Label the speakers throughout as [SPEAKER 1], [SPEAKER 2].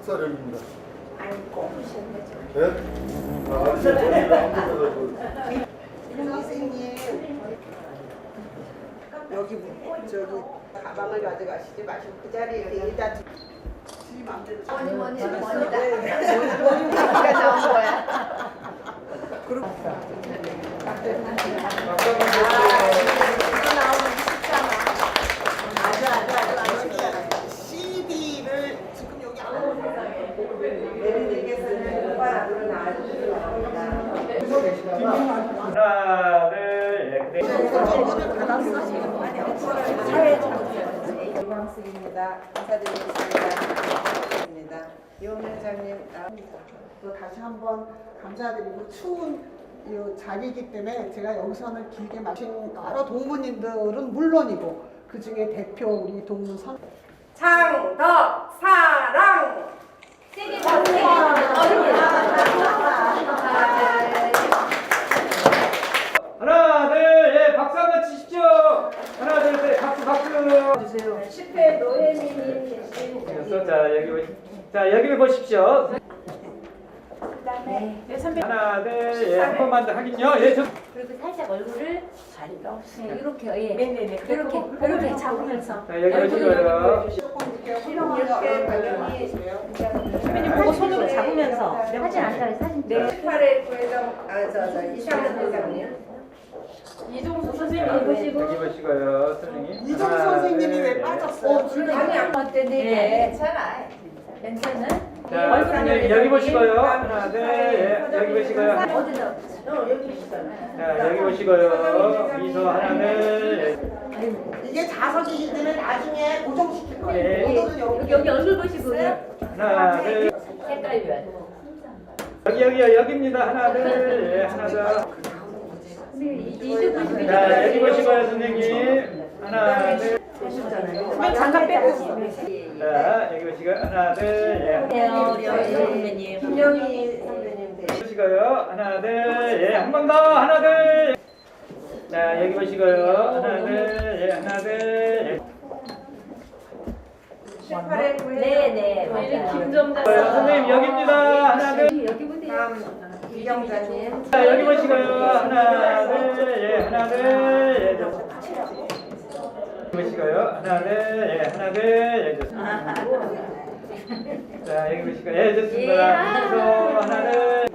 [SPEAKER 1] 박사령입니다.
[SPEAKER 2] 아니 꼽으셨네.
[SPEAKER 1] 네? 아, 아직 머리를 안 뽑아가지고.
[SPEAKER 2] 선생님 여기 저기 가방을 가져가시지 마시고 그 자리에 여기다 지 마음대로
[SPEAKER 3] 뭐니
[SPEAKER 2] 뭐니가 나온 거야. 그리고 CD를 지금 여기 내리내겠으면 오빠랑으로 나와주시기 바랍니다.
[SPEAKER 4] 하나, 둘, 셋.
[SPEAKER 2] 저분을 받았어 지금. 이광숙입니다. 인사드리겠습니다. 이원 회장님, 또 다시 한번 감사드리고 추운 이 자리이기 때문에 제가 여기서는 길게 마신 여러 동무님들은 물론이고 그 중에 대표 우리 동무 선
[SPEAKER 3] 창덕 사랑 세계
[SPEAKER 4] 하나, 둘, 예, 박수 한번 치십시오. 하나, 둘, 셋, 박수, 박수. 주세요.
[SPEAKER 3] 10회 노예민이
[SPEAKER 4] 자, 자, 여기 보십시오.
[SPEAKER 3] 그다음에
[SPEAKER 4] 하나, 둘, 예, 한 번만 더 하긴요. 예,
[SPEAKER 3] 그리고 살짝 얼굴을
[SPEAKER 2] 자리가 없어요.
[SPEAKER 3] 이렇게 예.
[SPEAKER 2] 네네네.
[SPEAKER 3] 이렇게 잡으면서
[SPEAKER 4] 자, 여기 보시고요.
[SPEAKER 2] 조금 이렇게 훌륭하게 발견이
[SPEAKER 3] 선배님 보고 손으로 잡으면서 하진 않다고 사진
[SPEAKER 4] 네.
[SPEAKER 5] 18회 부회장, 이상현 회장님.
[SPEAKER 3] 이종수 선생님 보시고
[SPEAKER 4] 여기 보시고요, 선생님.
[SPEAKER 2] 이종
[SPEAKER 4] 하나,
[SPEAKER 2] 선생님이
[SPEAKER 4] 둘,
[SPEAKER 2] 왜
[SPEAKER 4] 예.
[SPEAKER 2] 빠졌어요?
[SPEAKER 5] 아니, 안
[SPEAKER 3] 어땠는데
[SPEAKER 5] 괜찮아.
[SPEAKER 3] 멘트는
[SPEAKER 4] 자, 선생님 여기 보시고요. 하나, 둘, 예, 여기 보시고요.
[SPEAKER 3] 어디서
[SPEAKER 5] 여기 있잖아.
[SPEAKER 4] 자, 여기 보시고요. 미소 하나, 둘, 예.
[SPEAKER 2] 이게 자석이기 때문에 나중에 고정시킬
[SPEAKER 4] 네.
[SPEAKER 2] 거예요. 오늘은
[SPEAKER 3] 여기 얼굴 보시고
[SPEAKER 4] 하나, 둘.
[SPEAKER 3] 색깔이 왜
[SPEAKER 4] 여기요, 여기입니다. 하나, 둘, 예, 하나 더.
[SPEAKER 3] 이쪽 보시고
[SPEAKER 4] 자, 여기 보시고요, 선생님. 하나, 둘.
[SPEAKER 3] 선배님 잠깐 빼고
[SPEAKER 4] 자, 여기 보시고요. 하나, 둘, 예.
[SPEAKER 3] 선배님
[SPEAKER 5] 김영희 선배님.
[SPEAKER 4] 보시고요. 하나, 둘, 예. 한 번 더. 하나, 둘. 자, 여기 보시고요. 하나, 둘, 예. 하나, 둘, 예.
[SPEAKER 5] 18회 부회장.
[SPEAKER 3] 네네 맞아요 김정자
[SPEAKER 4] 선생님, 여기입니다. 하나, 둘.
[SPEAKER 3] 여기 보세요
[SPEAKER 5] 다음 이경자님.
[SPEAKER 4] 자, 여기 보시고요. 하나, 둘, 예. 하나, 둘, 예. 보시고요. 하나, 둘, 예. 하나, 둘, 예. 좋습니다. 자, 여기 보시고요. 예, 좋습니다. 미소 하나, 둘.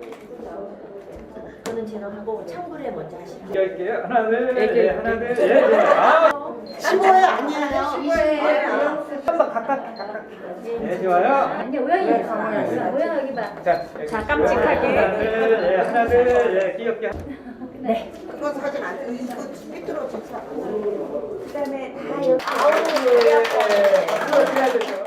[SPEAKER 3] 저는 진행하고 창구를 먼저 하시죠
[SPEAKER 4] 할게요. 하나, 둘, 예. 하나, 둘, 예. 예. 아,
[SPEAKER 2] 15회 아니에요?
[SPEAKER 5] 15회.
[SPEAKER 4] 한번 각각. 예, 좋아요.
[SPEAKER 3] 근데 우영이 우영 여기 봐
[SPEAKER 4] 자, 여기
[SPEAKER 3] 자,
[SPEAKER 4] 보시고요.
[SPEAKER 3] 깜찍하게.
[SPEAKER 4] 하나, 둘, 예. 하나, 둘, 예. 귀엽게.
[SPEAKER 3] 네
[SPEAKER 2] 그거 사진 안 찍어. 이거 밑으로 좋죠.
[SPEAKER 3] 그다음에 다 여기
[SPEAKER 4] 아우, 예. 그거 해야 되죠.